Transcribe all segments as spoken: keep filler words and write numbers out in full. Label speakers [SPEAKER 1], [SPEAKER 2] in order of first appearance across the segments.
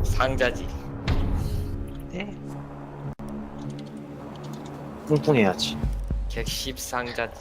[SPEAKER 1] 상자지.
[SPEAKER 2] 네.
[SPEAKER 3] 뚱뚱해야지.
[SPEAKER 1] 객십 상자지.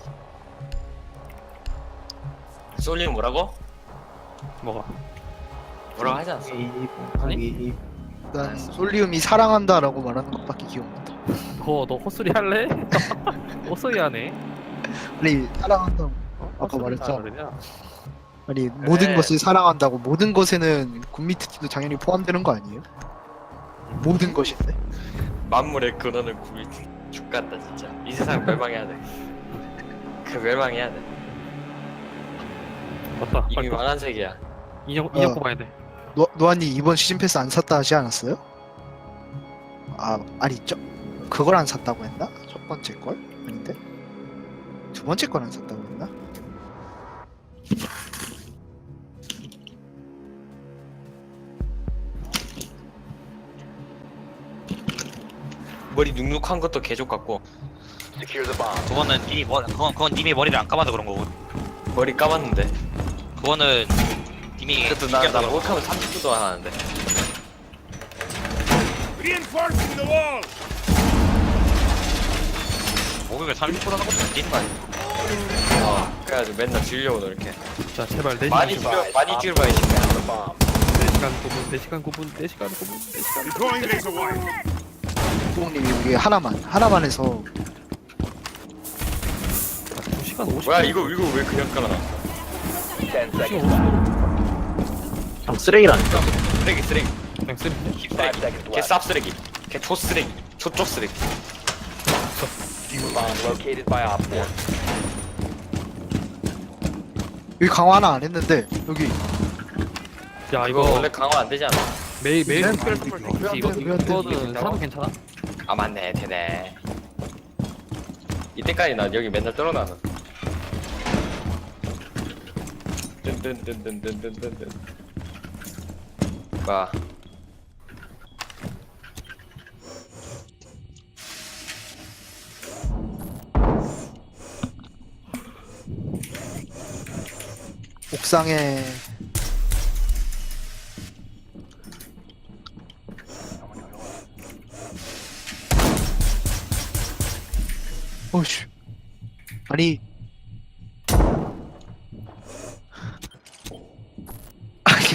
[SPEAKER 1] 솔리는 뭐라고?
[SPEAKER 2] 뭐가?
[SPEAKER 1] 뭐라고 하지 않았어?
[SPEAKER 2] 아니?
[SPEAKER 4] 난 솔리움이 사랑한다라고 말하는 것밖에 기억난다.
[SPEAKER 2] 너, 너 헛소리 할래? 헛소리 하네.
[SPEAKER 4] 아니 사랑한다고.
[SPEAKER 2] 어?
[SPEAKER 4] 아까
[SPEAKER 2] 헛소리
[SPEAKER 4] 말했잖아.
[SPEAKER 2] 하느냐?
[SPEAKER 4] 아니 모든
[SPEAKER 1] 그래.
[SPEAKER 4] 것을 사랑한다고. 모든 것에는 굿미트도 당연히 포함되는 거 아니에요? 모든 것인데.
[SPEAKER 1] 만물의 근원을 구미 죽겠다 진짜. 이 세상 멸망해야 돼. 그 멸망해야 돼.
[SPEAKER 2] 맞다.
[SPEAKER 1] 이미
[SPEAKER 2] 빨리
[SPEAKER 1] 망한 세계야.
[SPEAKER 2] 인형, 인형
[SPEAKER 4] 어.
[SPEAKER 2] 뽑아야 돼.
[SPEAKER 4] 노 노아님 이번 시즌 패스 안 샀다 하지 않았어요? 아 아니 저 그걸 안 샀다고 했나? 첫 번째 걸? 아닌데? 두 번째 걸 안 샀다고 했나?
[SPEAKER 1] 머리 눅눅한 것도 개족 같고
[SPEAKER 5] 그거는 님이 머 그건 그건 님이 머리를 안 감아서 그런 거고.
[SPEAKER 1] 머리 감았는데.
[SPEAKER 5] 그거는 님이
[SPEAKER 1] 그것도
[SPEAKER 5] 신기하다
[SPEAKER 1] 나나
[SPEAKER 5] 그런 거.
[SPEAKER 1] 못하면 삼십 초도 안 하는데.
[SPEAKER 6] Reinforcing the wall!
[SPEAKER 5] 목욕을 삼십 분 하는 것도 웃기는 거 아니야?
[SPEAKER 1] 어. 그래가지고 맨날 줄려고 노력해.
[SPEAKER 2] 자, 제발 네
[SPEAKER 1] 많이
[SPEAKER 2] 시간
[SPEAKER 1] 줄여 많이 줄여봐 이 새끼야.
[SPEAKER 2] 네 시간 구 분, 네 시간 구 분, 네 시간 구 분, 네 시간 구 분.
[SPEAKER 6] Deploying laser wire.
[SPEAKER 4] 똥님이 우리 하나만 하나만 해서
[SPEAKER 2] 두 시간 오십 분.
[SPEAKER 1] 뭐야 이거 이거 왜 그냥 깔아놨어?
[SPEAKER 2] 두 시간 오십 분.
[SPEAKER 3] 형 쓰레기라니까.
[SPEAKER 1] 쓰레기 쓰레기.
[SPEAKER 2] 그냥 쓰리.
[SPEAKER 1] 쓰레기. 개 쌉 쓰레기. 개 초 쓰레기. 초쪽 쓰레기.
[SPEAKER 4] 여기 강화 하나 안 했는데 여기
[SPEAKER 2] 야,
[SPEAKER 1] 이거
[SPEAKER 2] 이거
[SPEAKER 1] 원래 강화 안 되지 않아?
[SPEAKER 2] 매일 매일
[SPEAKER 4] 맨
[SPEAKER 2] 특별
[SPEAKER 4] 많이
[SPEAKER 2] 선물
[SPEAKER 4] 이거.
[SPEAKER 2] 되지. 이거
[SPEAKER 4] 이거
[SPEAKER 2] 이거는 사도 괜찮아?
[SPEAKER 1] 아 맞네 되네. 이때까지 나 여기 맨날 떨어나서. 든든든든든든든든. 봐.
[SPEAKER 4] 옥상에 어이씨 아니 아니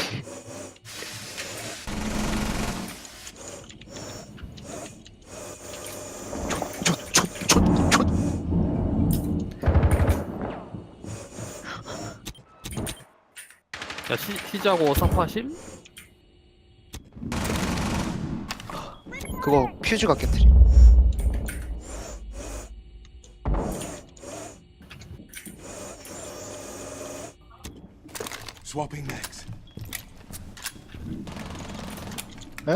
[SPEAKER 4] 촛촛촛촛
[SPEAKER 2] 야, 시, 시자고 사파심?
[SPEAKER 4] 그거 퓨즈가 깨뜨리
[SPEAKER 6] Swapping mags.
[SPEAKER 4] 에?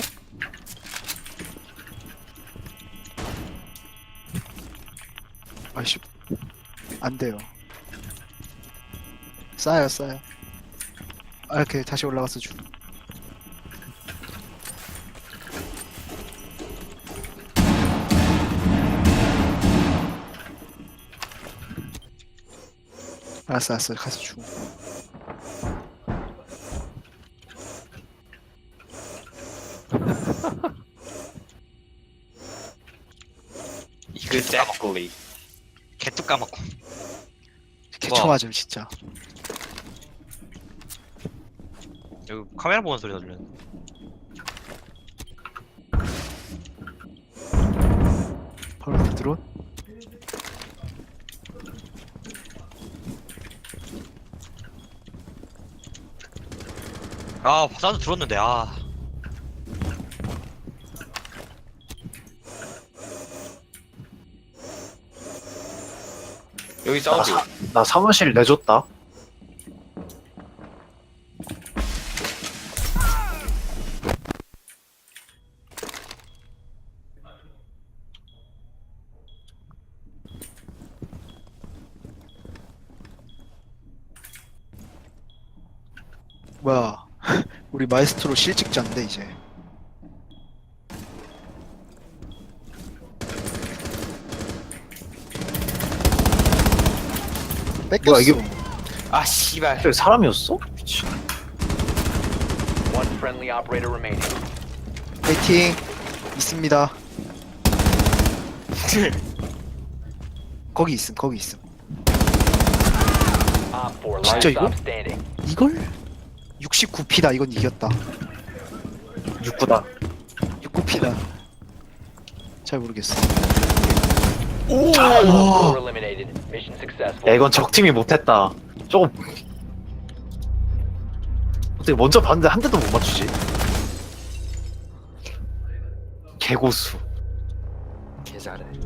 [SPEAKER 4] 아이씨 안 돼요 싸요 싸요 아 이렇게 다시 올라가서 주 알았어 알았어 가서 주
[SPEAKER 1] Exactly.
[SPEAKER 5] 개뚝 까먹고.
[SPEAKER 4] 개쳐 맞음 진짜
[SPEAKER 5] 여기 카메라 보는 소리가 들려.
[SPEAKER 4] 바로 앞에 드론
[SPEAKER 5] 아, 나도 들었는데 아.
[SPEAKER 1] 여기
[SPEAKER 3] 나,
[SPEAKER 1] 사우디.
[SPEAKER 3] 사, 나 사무실 내줬다.
[SPEAKER 4] 뭐야 우리 마에스트로 실직자인데 이제 뺏겼어
[SPEAKER 3] 뭐야 이게 뭐?
[SPEAKER 1] 아 씨발.
[SPEAKER 3] 저기 사람이었어? 미친.
[SPEAKER 7] One friendly operator remaining.
[SPEAKER 4] 파이팅 있습니다. 거기 있음 거기 있음. 진짜 이거? 이걸? 육십구 피다. 이건 이겼다.
[SPEAKER 3] 육구다.
[SPEAKER 4] 육십구 피다. 잘 모르겠어.
[SPEAKER 3] 야 이건 적팀이 못했다. 조금 어떻게 먼저 봤는데 한 대도 못 맞추지? 개고수.
[SPEAKER 1] 개 잘해.